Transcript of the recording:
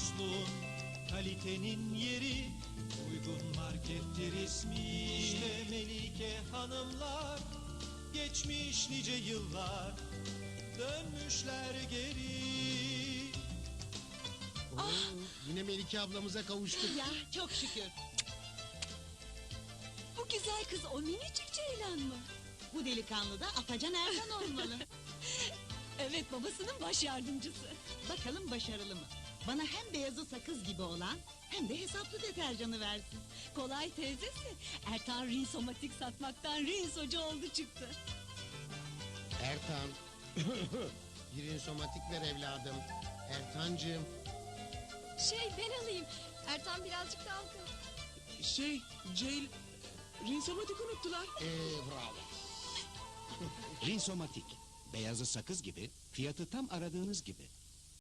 dostluğun, kalitenin yeri, uygun markettir ismi. İşte Melike hanımlar, geçmiş nice yıllar, dönmüşler geri. Yine Melike ablamıza kavuştuk. Ya çok şükür. Bu güzel kız o minicik Ceylan mı? Bu delikanlı da Afacan Erkan olmalı. Evet, babasının baş yardımcısı. Bakalım başarılı mı? Bana hem beyazı sakız gibi olan hem de hesaplı deterjanı versin. Kolay teyzesi. Ertan rinsomatik satmaktan rinsocu oldu çıktı. Ertan. Bir insomatik ver evladım. Ertancığım. Ben alayım. Ertan birazcık dalgın. Rinsomatik unuttular. Bravo. Rinsomatik. Beyazı sakız gibi, fiyatı tam aradığınız gibi.